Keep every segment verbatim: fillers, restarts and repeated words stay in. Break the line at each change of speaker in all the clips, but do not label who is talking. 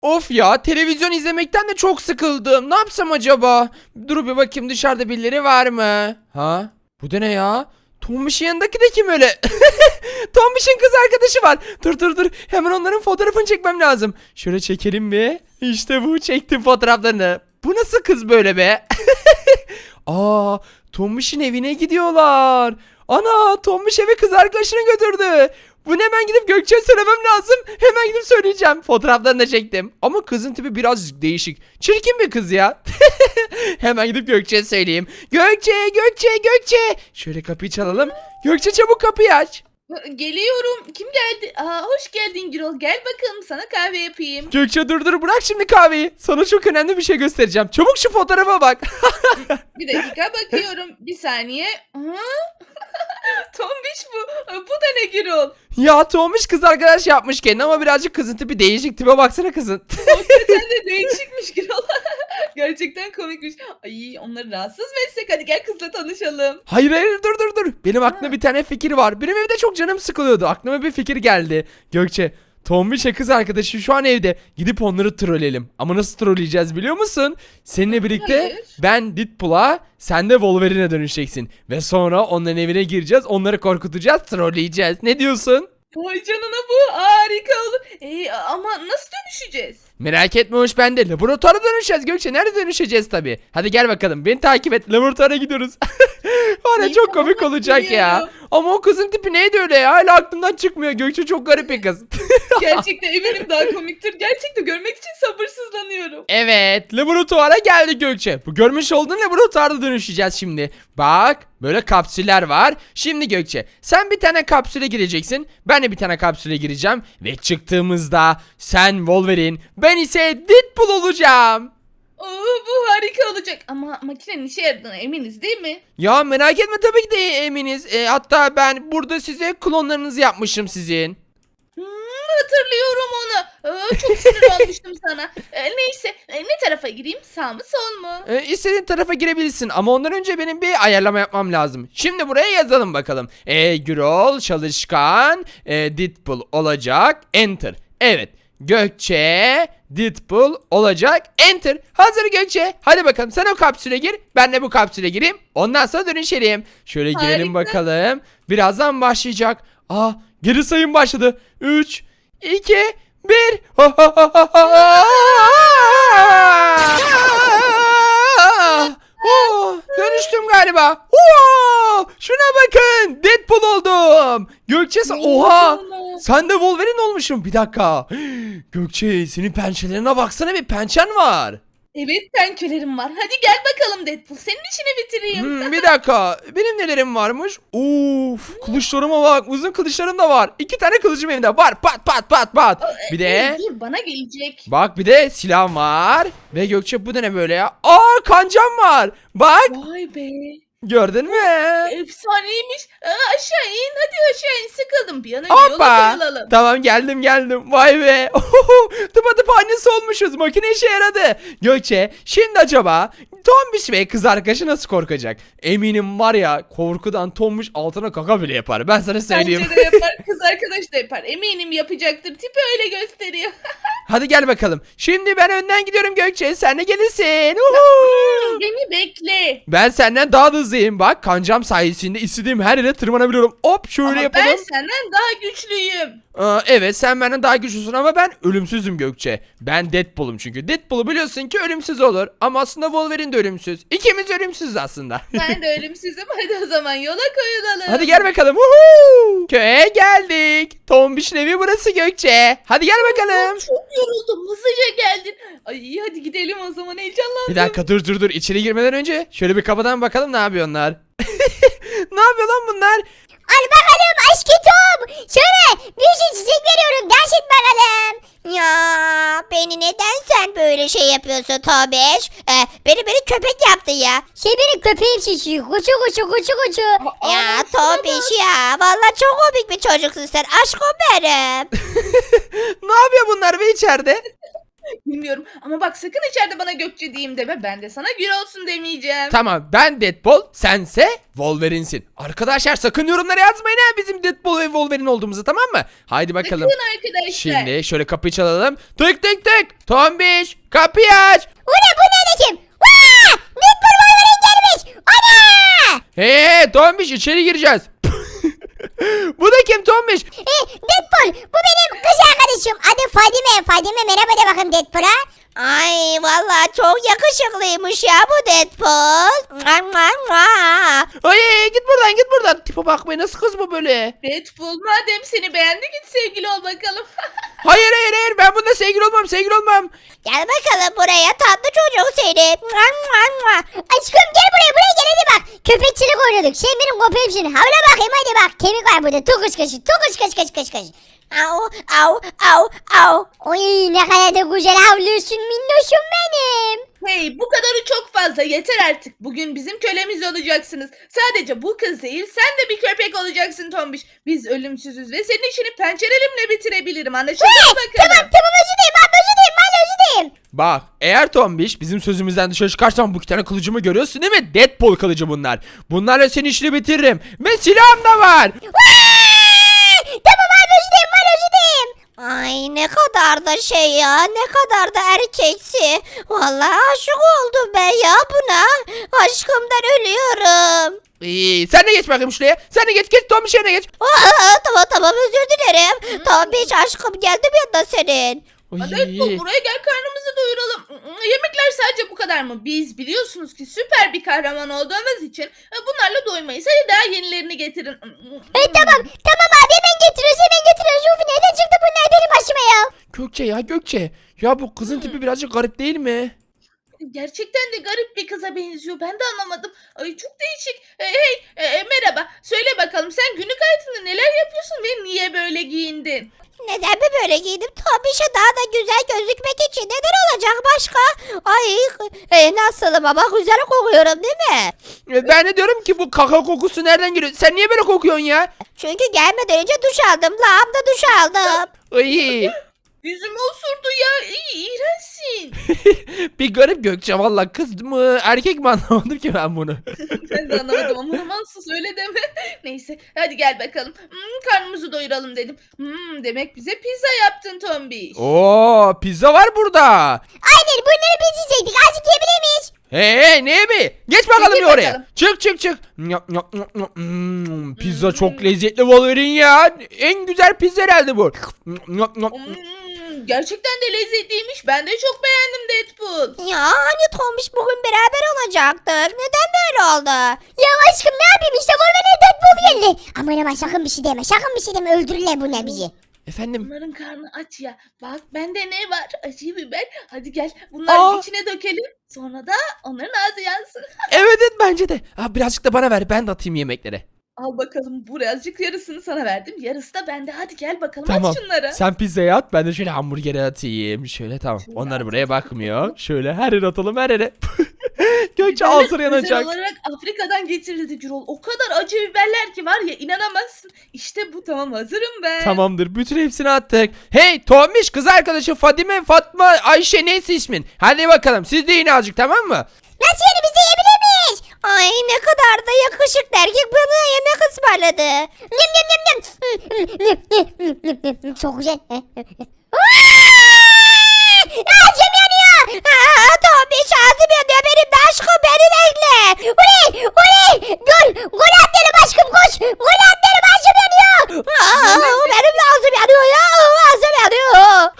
Of ya, televizyon izlemekten de çok sıkıldım. Ne yapsam acaba? Dur bir bakayım, dışarıda birileri var mı? Ha? Bu da ne ya? Tombiş'in yanındaki de kim öyle? Tombiş'in kız arkadaşı var. Dur dur dur. Hemen onların fotoğrafını çekmem lazım. Şöyle çekelim bir. İşte bu, çektim fotoğraflarını. Bu nasıl kız böyle be? Aa, Tombiş'in evine gidiyorlar. Ana, Tombiş eve kız arkadaşını götürdü. Bunu hemen gidip Gökçe'ye söylemem lazım. Hemen gidip söyleyeceğim. Fotoğraflarını da çektim. Ama kızın tipi biraz değişik. Çirkin bir kız ya. Hemen gidip Gökçe'ye söyleyeyim. Gökçe, Gökçe, Gökçe. Şöyle kapıyı çalalım. Gökçe, çabuk kapıyı aç.
Geliyorum. Kim geldi? Aa, hoş geldin Gürol. Gel bakalım sana kahve yapayım.
Gökçe, dur dur, bırak şimdi kahveyi. Sana çok önemli bir şey göstereceğim. Çabuk şu fotoğrafa bak.
Bir dakika bakıyorum. Bir saniye. Aha. Tombiş bu. Bu da ne Gürol?
Ya, Tombiş kız arkadaş yapmış kendine ama birazcık kızın tipi değişik. Tipe baksana kızın.
Hakikaten de değişikmiş Gürol. Gerçekten komikmiş. Ay, onları rahatsız mı etsek? Hadi gel kızla tanışalım.
Hayır hayır, dur dur dur. Benim aklımda bir tane fikir var. Benim evde çok canım sıkılıyordu. Aklıma bir fikir geldi. Gökçe, Tombiş'e kız arkadaşı şu an evde. Gidip onları trolleyelim. Ama nasıl trolleyeceğiz biliyor musun? Seninle birlikte
Hayır.
ben Deadpool'a, sen de Wolverine'e dönüşeceksin. Ve sonra onların evine gireceğiz. Onları korkutacağız, trolleyeceğiz. Ne diyorsun?
Vay canına, bu harika olur. Ee, ama nasıl dönüşeceğiz?
Merak etme, hoş ben de. Laboratuvara dönüşeceğiz Gökçe. Nerede dönüşeceğiz tabii. Hadi gel bakalım. Beni takip et. Laboratuvara gidiyoruz. Var ya,
İyi,
çok
tamam,
komik olacak ya.
geliyorum.
Ama o kızın tipi neydi öyle ya? Hala aklımdan çıkmıyor. Gökçe çok garip bir kız.
Gerçekten eminim daha komiktir. Gerçekten görmek için sabırsızlanıyorum.
Evet, laboratuvara geldik Gökçe. Bu görmüş olduğun laboratuvarda dönüşeceğiz şimdi. Bak, böyle kapsüller var. Şimdi Gökçe, sen bir tane kapsüle gireceksin. Ben de bir tane kapsüle gireceğim. Ve çıktığımızda sen Wolverine, ben ise Deadpool olacağım.
Oo, bu harika olacak. Ama makinenin işe yaradığına eminiz değil mi?
Ya merak etme, tabii ki de eminiz. E, hatta ben burada size klonlarınızı yapmışım sizin.
Hmm, hatırlıyorum onu. Aa, çok sinir olmuştum sana. Ee, neyse, e, ne tarafa gireyim? Sağ mı sol mu?
E, istediğin tarafa girebilirsin ama ondan önce benim bir ayarlama yapmam lazım. Şimdi buraya yazalım bakalım. E, Gürol çalışkan e, Deadpool olacak. Enter. Evet. Gökçe Deadpool olacak. Enter. Hazır Gökçe. Hadi bakalım, sen o kapsüle gir. Ben de bu kapsüle gireyim. Ondan sonra dönüşelim. Şöyle girelim
Harika.
bakalım. Birazdan başlayacak. Aa, geri sayım başladı. üç, iki, bir. Oh, dönüştüm galiba. Oo, şuna bakın. Deadpool oldum. Gökçe sen- oha.
canına.
Sen de Wolverine olmuşsun. Bir dakika. Gökçe, senin pençelerine baksana, bir pençen var.
Evet, pençelerim var. Hadi gel bakalım Deadpool. Senin işini bitireyim.
Hmm, bir dakika. Benim nelerim varmış? Uf, kılıçlarıma bak. Uzun kılıçlarım da var. İki tane kılıcım elimde var. Pat pat pat pat. Bir de
Ee, dur, bana gelecek.
bak, bir de silahım var. Ve Gökçe, bu da ne böyle ya? Aa, kancam var. Bak,
Vay be.
gördün mü?
Efsaneymiş. Aa, aşağı in. Hadi aşağı in. Sıkıldım. Bir an önce yola
Hoppa.
koyulalım.
Tamam, geldim geldim. Vay be. Tıpatıp annesi olmuşuz. Makine işe yaradı. Gökçe, şimdi acaba Tombiş ve kız arkadaşı nasıl korkacak? Eminim var ya, korkudan Tombiş altına kaka bile yapar. Ben sana söyleyeyim.
Bence de yapar. Kız arkadaş da yapar. Eminim yapacaktır. Tipi öyle gösteriyor.
Hadi gel bakalım. Şimdi ben önden gidiyorum Gökçe. Sen de gelirsin. Uhu.
Beni bekle.
Ben senden daha da hızlıyım. Bak, kancam sayesinde istediğim her yere tırmanabiliyorum. Hop, şöyle
Ama
yapalım.
ben senden daha güçlüyüm.
Aa, evet, sen benden daha güçlüsün ama ben ölümsüzüm Gökçe. Ben Deadpool'um çünkü. Deadpool'u biliyorsun ki ölümsüz olur. Ama aslında Wolverine de ölümsüz. İkimiz ölümsüzüz aslında.
Ben de ölümsüzüm. Hadi o zaman yola koyulalım.
Hadi gel bakalım. Woohoo! Köye geldik. Tombiş'in evi burası Gökçe. Hadi gel bakalım.
Çok yoruldum. Hızlıca geldin. Ay, hadi gidelim o zaman. Heyecanlandım.
Bir dakika, dur dur dur. İçeri girmeden önce şöyle bir kapıdan bakalım ne yapıyor onlar. Ne yapıyor lan bunlar?
Al bakalım aşkım. Şöyle bir şey çiçek veriyorum. Gerçek bakalım. Ya beni neden sen böyle şey yapıyorsun Tobeş? Ee, beni beni köpek yaptı ya. Şey benim köpeğim şişiyor. Kuçu kuçu kuçu kuçu.
Aa,
Ya
şuna
Tobeş ya. Vallahi çok komik bir çocuksun sen. Aşkım benim.
Ne yapıyor bunlar be içeride?
bilmiyorum. Ama bak sakın içeride bana Gökçe diyeyim deme. Ben de sana Gül olsun demeyeceğim.
Tamam, ben Deadpool, sense Wolverine'sin. Arkadaşlar sakın yorumlara yazmayın ha bizim Deadpool ve Wolverine olduğumuzu, tamam mı? Haydi bakalım.
Bakın arkadaşlar.
Şimdi şöyle kapıyı çalalım. Tık tık tık. Tombiş kapıyı aç.
Bu ne bu ne de kim? Vaa! Deadpool Wolverine gelmiş. Ana!
Hey hey Tombiş, içeri gireceğiz. Bu da kim Tombiş?
E, Deadpool bu benim kız arkadaşım. Adı Fadime. Fadime merhaba de bakayım Deadpool'a. Ay vallahi çok yakışıklıymış ya bu Deadpool. Mua, mua, mua.
Ay, ay, git buradan git buradan. Tipe bakmayın, nasıl kız bu böyle?
Deadpool madem seni beğendi git sevgili ol bakalım.
Hayır hayır hayır, ben bununla sevgili olmam sevgili olmam.
Gel bakalım buraya tatlı çocuk seni. Mua, mua, mua. Aşkım gel buraya buraya gel hadi bak. Köpekçilik oynuyorduk. Sen benim köpeğimsin. Havla bakayım hadi bak. Kemik var burada. Tukuş kaşı. Tukuş kaşı kaşı kaşı kaşı. Au au au au. Oy ne kadar da güzel havlıyorsun minnoşum benim.
Hey bu kadarı çok fazla yeter artık. Bugün bizim kölemiz olacaksınız. Sadece bu kız değil sen de bir köpek olacaksın Tombiş. Biz ölümsüzüz ve senin işini pençelerimle bitirebilirim. Anlaşıldı mı bakalım?
Tamam tamam özür dilerim abi özür dilerim ben özür dilerim.
Bak, eğer Tombiş bizim sözümüzden dışarı çıkarsan bu iki tane kılıcımı görüyorsun değil mi? Deadpool kılıcı bunlar. Bunlarla senin işini bitiririm. Ve silahım da var.
Vay! Tamam abi özür dilerim ben özür dilerim. Ay ne kadar da şey ya ne kadar da erkeksi. Vallahi aşık oldum ben ya buna. Aşkımdan ölüyorum.
İyi, sen de geç bakayım şuraya. Sen de geç geç Tombiş yerine geç.
Aa, tamam tamam özür dilerim. Tamam hiç aşkım geldim yanına senin.
Hadi Deadpool buraya gel karnımızı doyuralım. Yemekler sadece bu kadar mı? Biz biliyorsunuz ki süper bir kahraman olduğumuz için e, bunlarla doymayız. Hadi daha yenilerini getirin.
E, tamam tamam abi hemen getiriyoruz hemen getiriyoruz. Uf nereden çıktı bunlar benim başıma ya.
Gökçe ya Gökçe. Ya bu kızın tipi birazcık garip değil mi?
Gerçekten de garip bir kıza benziyor. Ben de anlamadım. Ay çok değişik. E, hey e, e, merhaba. Söyle bakalım sen günlük hayatında neler yapıyorsun ve niye böyle giyindin?
Neden mi böyle giydim? Tabii işte daha da güzel gözükmek için. Neden olacak başka? Ay e, nasılım ama güzel kokuyorum değil mi?
E, Ben de diyorum ki bu kaka kokusu nereden geliyor? Sen niye böyle kokuyorsun ya?
Çünkü gelmeden önce duş aldım. Lağımda duş aldım.
Ay.
Yüzümü osurdu ya. İyi, iğrençsin.
Bir garip Gökçe, valla kız mı erkek mi anlamadım ki ben bunu.
Ben de anlamadım ama romansız öyle deme. Neyse hadi gel bakalım. Hmm, karnımızı doyuralım dedim. Hmm, demek bize pizza yaptın Tombiş.
Oo, pizza var burada.
Aynen bunları biz yiyecektik. Azıcık yiyebilir miyiz?
Hey hey, ne mi? Geç bakalım
Git
bir oraya.
bakalım.
Çık çık çık. Nyap, nyap, nyap, nyap. Hmm, pizza çok lezzetli Wolverine ya. En güzel pizza herhalde bu. Nyap, nyap, nyap.
Hmm, gerçekten de lezzetliymiş. Ben de çok beğendim Deadpool.
Ya hani Tombiş bugün beraber olacaktık. Neden böyle oldu? Ya aşkım ne yapayım işte Wolverine Deadpool geldi. Aman aman sakın bir şey deme. Sakın bir şey deme. Öldürürler bu ne bizi.
Efendim?
Bunların karnı aç ya. Bak bende ne var? Acı biber. Hadi gel bunları
Aa.
içine dökelim. Sonra da onların ağzı yansın.
Evet evet, bence de. Ha, birazcık da bana ver, ben de atayım yemeklere.
Al bakalım bu birazcık yarısını sana verdim. Yarısı da bende. Hadi gel bakalım
Tamam.
aç şunları.
Sen pizzayı at, ben de şöyle hamburgeri atayım. Şöyle tamam.
Şöyle
Onlar
at.
buraya bakmıyor. Şöyle her yere atalım, her yere. Gökçe
Biberler
ağzına
özel
yanacak.
olarak Afrika'dan getirildi Gürol. O kadar acı biberler ki var ya inanamazsın. İşte bu tamam hazırım ben.
Tamamdır, bütün hepsini attık. Hey Tombiş, kız arkadaşı Fadime, Fatma, Ayşe, neyse ismin. Hadi bakalım, siz de yine azıcık, tamam mı?
Nasıl yani biz de yiyebilir miyiz? Ay ne kadar da yakışıklı erkek bana yemek ısmarladı. Yum yum yum yum. Çok güzel. Ağzım yanıyor. Aa, Tombiş ağzım yanıyor benim de aşkım beni bekle. Oley oley. Gol gol at dedim aşkım koş. Gol at dedim ağzım yanıyor. Aa, benim de ağzım yanıyor ya. Ağzım yanıyor.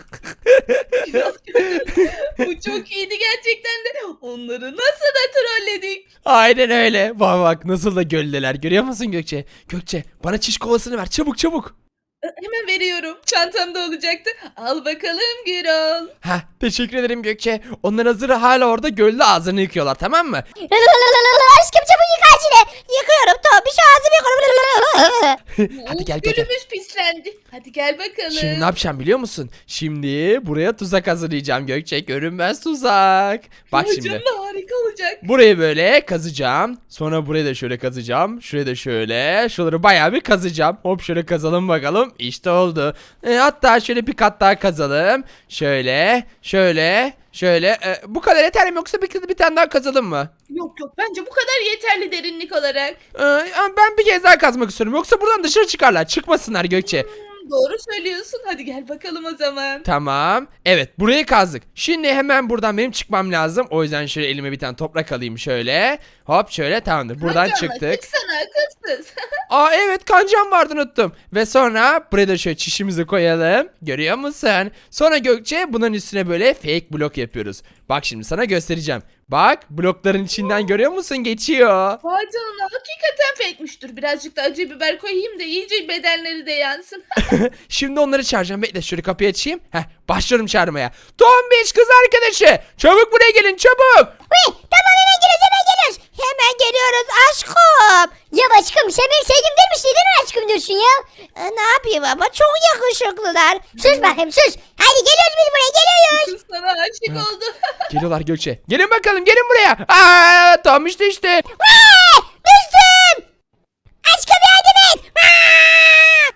Bu çok iyiydi gerçekten de. Onları nasıl da trolledik.
Aynen öyle. Bak bak nasıl da göldeler, görüyor musun Gökçe? Gökçe, bana çiş kovasını ver çabuk çabuk.
Ee, Hemen veriyorum. Çantamda olacaktı. Al bakalım Gürol.
Heh, teşekkür ederim Gökçe. Onlar hazır hala orada gölde ağzını yıkıyorlar, tamam mı?
Aşkım çabuk yıka acile. Yıkıyorum Tombiş ağzımı yıkıyorum.
Hadi gel
Of,
Gökçe.
Gülümüz pislendi. Hadi gel bakalım.
Şimdi ne yapacağım biliyor musun? Şimdi buraya tuzak hazırlayacağım Gökçe. Görünmez tuzak. Bak
Ay
şimdi.
canına harika olacak.
Burayı böyle kazacağım. Sonra burayı da şöyle kazacağım. Şurayı da şöyle. Şuraları bayağı bir kazacağım. Hop şöyle kazalım bakalım. İşte oldu. E, hatta şöyle bir kat daha kazalım. Şöyle. Şöyle, şöyle, şöyle. E, bu kadar yeter mi yoksa bir, bir tane daha kazalım mı?
Yok yok bence bu kadar yeterli derinlik olarak.
E, ben bir kez daha kazmak istiyorum. Yoksa buradan dışarı çıkarlar. Çıkmasınlar Gökçe.
Hmm, doğru söylüyorsun. Hadi gel bakalım o zaman.
Tamam. Evet, burayı kazdık. Şimdi hemen buradan benim çıkmam lazım. O yüzden şöyle elime bir tane toprak alayım şöyle. Hop şöyle, tamamdır. Buradan
Hadi ama,
çıktık.
çıksana akılsız.
Aa evet, kancam vardı, unuttum. Ve sonra buraya da şöyle çişimizi koyalım. Görüyor musun? Sonra Gökçe bunun üstüne böyle fake blok yapıyoruz. Bak şimdi sana göstereceğim. Bak, blokların içinden görüyor musun? Geçiyor.
Vay canına hakikaten fake'miş. Dur birazcık da acı biber koyayım da iyice bedenleri de yansın.
Şimdi onları çağıracağım. Bekle, şöyle kapıyı açayım. Heh, başlıyorum çağırmaya. Tombiş kız arkadaşı. Çabuk buraya gelin, çabuk.
Uy, tamam hemen geliyoruz hemen geliyoruz. Hemen geliyoruz aşkım. Ya aşkım sen benim sevgilim değil misin? Neden aşkım diyorsun ya? E, ne yapayım ama çok yakışıklılar. Sus bakayım sus. Hadi geliyoruz biz buraya geliyoruz.
Kız sana aşık oldu.
Geliyorlar Gökçe. Gelin bakalım, gelin buraya. Aa, Tombiş düştü.
Vay, düştüm. Aşkım yardım et. Aa!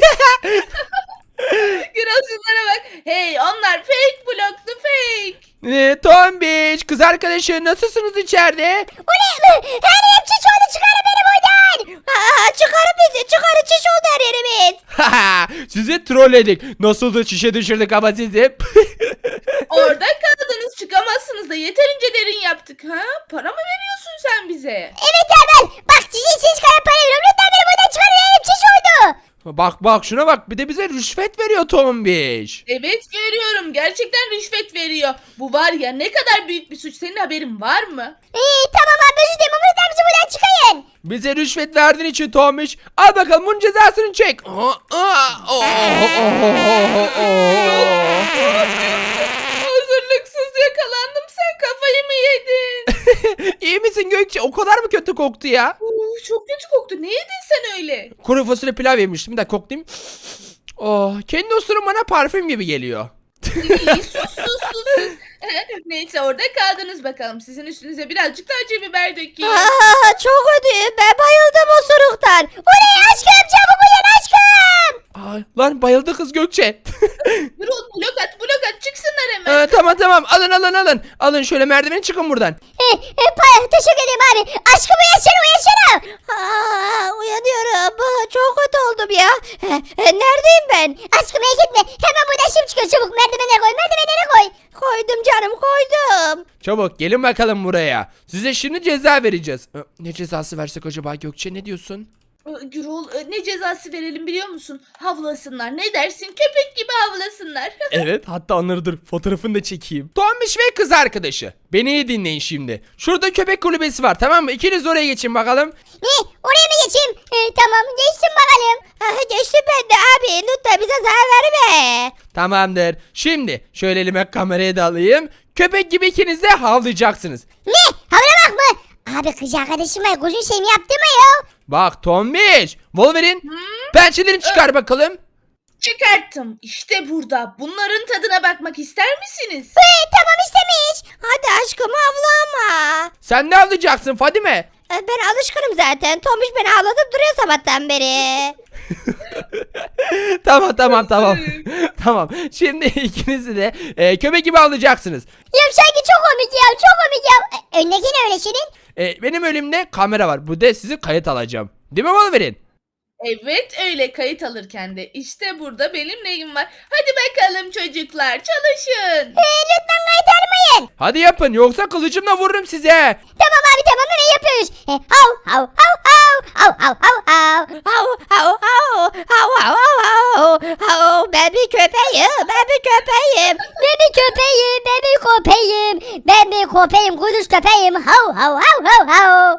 Gürol şunlara bak. Hey onlar fake bloktu fake.
Ee, Tombiş kız arkadaşı, nasılsınız içeride?
O ne? Her yerim çiş oldu, çıkarın beni buradan. Aa, çıkarın bizi, çıkarın, çiş oldu her yerimiz.
Haha, sizi trolledik. Nasıl da çişe düşürdük ama sizi.
Orada kaldınız çıkamazsınız da yeterince derin yaptık ha? Para mı veriyorsun sen bize?
Evet Erman, bak çiş için çıkarın para veriyorum. Lütfen beni buradan çıkarın, her yerim çiş oldu.
Bak bak şuna bak, bir de bize rüşvet veriyor Tombiş.
Evet görüyorum gerçekten rüşvet veriyor. Bu var ya ne kadar büyük bir suç senin haberin var mı?
İyi tamam abi, özür dilerim ama lütfen bizi buradan çıkarın.
Bize rüşvet verdiğin için Tombiş, al bakalım bunun cezasını çek. Aa, aa, oo, oo, oo.
Hazırlıksız yakalandım sen kafayı mı yedin?
İyi misin Gökçe? O kadar mı kötü koktu ya?
Uu, çok kötü koktu ne yedin sen öyle?
Kuru fasulye pilav yemiştim de koklayayım. Oh, kendi osurum bana parfüm gibi geliyor.
İyi sus sus sus. sus. Neyse orada kaldınız bakalım sizin üstünüze birazcık da acı biber dökeyim.
Aa, çok ödüyüm, ben bayıldım o suruktan. O ne aşkım, çabuk uyan aşkım.
Ay, lan bayıldı kız Gökçe.
Gürol blok at blok at çıksınlar hemen.
Ee, tamam tamam, alın alın alın. Alın şöyle merdiveni, çıkın buradan.
E, e, pa- teşekkür ederim abi. Aşkım uyansana uyansana. Aa, uyanıyorum. Aa, çok kötü oldum ya. E, e, neredeyim ben? Aşkım merak etme. Hemen buradan şimdi çıkıyor, çabuk merdivenlere koy, merdivenlere koy. Koydum canım, koydum.
Çabuk gelin bakalım buraya. Size şimdi ceza vereceğiz. Ee, Ne cezası versek acaba Gökçe, ne diyorsun?
Ee, Gürol e, ne cezası verelim biliyor musun? Havlasınlar ne dersin köpek gibi havlasınlar.
Evet, hatta onları dur fotoğrafını da çekeyim. Tombiş ve kız arkadaşı. Beni iyi dinleyin şimdi. Şurada köpek kulübesi var, tamam mı? İkiniz oraya geçin bakalım.
Ne? Oraya mı geçeyim? E, tamam geçtim bakalım. Aa, geçtim ben de abi. Lütfen bize zarar verme.
Tamamdır. Şimdi şöyle elime kamerayı da alayım. Köpek gibi ikiniz de havlayacaksınız.
Ne? Havlamak mı? Abi kız arkadaşım var. Kuzun şeyimi yaptı mı ya?
Bak Tombiş, Wolverine, pençelerini çıkar bakalım.
Çıkarttım işte burada. Bunların tadına bakmak ister misiniz?
Ee, tamam istemiş. Hadi aşkım havlama.
Sen ne havlayacaksın Fadime?
Ee, Ben alışkınım zaten. Tomuş beni ağlatıp duruyor sabahtan beri.
Tamam tamam tamam. Tamam. Şimdi ikinizi de e, köpek gibi havlayacaksınız.
Ya sanki çok komik ya, çok komik ya. Ee, Öndeki ne öyle senin?
E, benim önümde kamera var. Bu da sizi kayıt alacağım. Değil mi Wolverine?
Evet öyle kayıt alırken de işte burada benim neyim var. Hadi bakalım çocuklar çalışın.
Ee, lütfen kayıt almayın.
Hadi yapın, yoksa kılıcımla vururum size.
Tamam abi tamam, hemen yapıyoruz. Ee, hav hav hav hav hav hav hav hav hav hav hav hav hav hav hav. Ben bir köpeğim, ben bir köpeğim. Ben bir köpeğim, ben bir köpeğim. Ben bir köpeğim, kuduz köpeğim. Hav hav hav hav hav.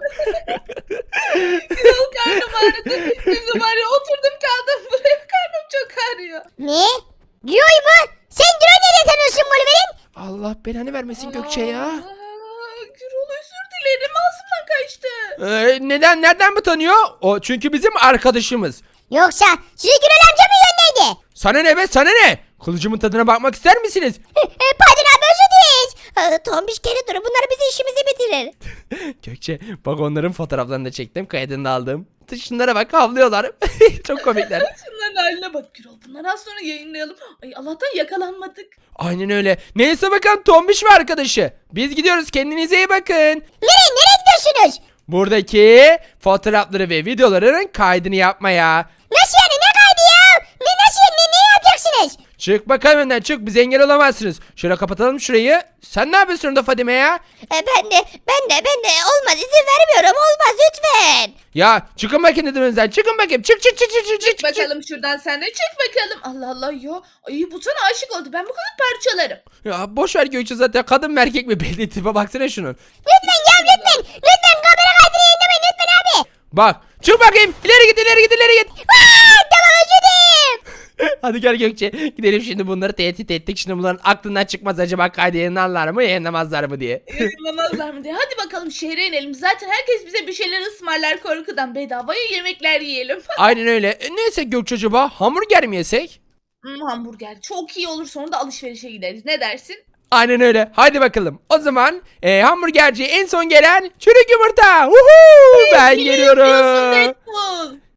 Gürol karnım ağrıdı. Şimdi var ya oturdum kaldım buraya karnım çok ağrıyor.
Ne? Diyor mu? Sen diyor nereye tanıyorsun Wolverine?
Allah belanı vermesin Gökçe ya.
Aa, Gürol özür dilerim ağzımdan kaçtı.
Ee, neden, nereden mi tanıyor? O çünkü bizim arkadaşımız.
Yoksa sizi Gürol amca mı gönderdi?
Sana ne be, sana ne? Kılıcımın tadına bakmak ister misiniz?
Pardon abi, özür dileriz. Tombiş geri durun, bunlar bizi işimizi bitirir.
Gökçe bak, onların fotoğraflarını da çektim, kaydını da aldım. Şunlara bak, havlıyorlar. Çok komikler.
Şunların haline bak Gürol. Bunları az sonra yayınlayalım. Ay Allah'tan yakalanmadık.
Aynen öyle. Neyse bakalım Tombiş ve arkadaşı. Biz gidiyoruz, kendinize iyi bakın.
Nereye nereye gidiyorsunuz?
Buradaki fotoğrafları ve videoların kaydını yapmaya.
Nasıl yani ne kaydı ya? Ne nasıl ne, ne yapacaksınız?
Çık bakalım önden, çık, bize engel olamazsınız. Şöyle kapatalım şurayı. Sen ne yapıyorsun orada Fadime ya?
E, ben de ben de ben de olmaz izin vermiyorum olmaz lütfen.
Ya çıkın bakayım dedim önden, çıkın bakayım, çık çık çık çık çık çık.
Çık bakalım şuradan sen de çık bakalım. Allah Allah ya. Ay bu sana aşık oldu. Ben bu kadar parçalarım.
Ya boş ver Gökçe, zaten kadın mı erkek mi belli, tipe baksana şunun.
Lütfen ya lütfen lütfen kamera kaydını yayınlamayın lütfen abi.
Bak çık bakayım, ileri git ileri git ileri git.
Aa, tamam özür dilerim.
Hadi gel Gökçe, gidelim şimdi, bunları tehdit ettik. Şimdi bunların aklından çıkmaz acaba kaydı yayınlarlar mı yayınlamazlar mı diye.
Yayınlamazlar mı diye. Hadi bakalım şehre inelim. Zaten herkes bize bir şeyler ısmarlar korkudan. Bedavaya yemekler yiyelim.
Aynen öyle. E, ne yesek Gökçe acaba? Hamburger mi yesek?
Hmm, hamburger. Çok iyi olur. Sonra da alışverişe gideriz. Ne dersin?
Aynen öyle. Hadi bakalım. O zaman e, hamburgerciye en son gelen çürük yumurta. Uhu! Ben
Biliyorsun
geliyorum.
Deadpool.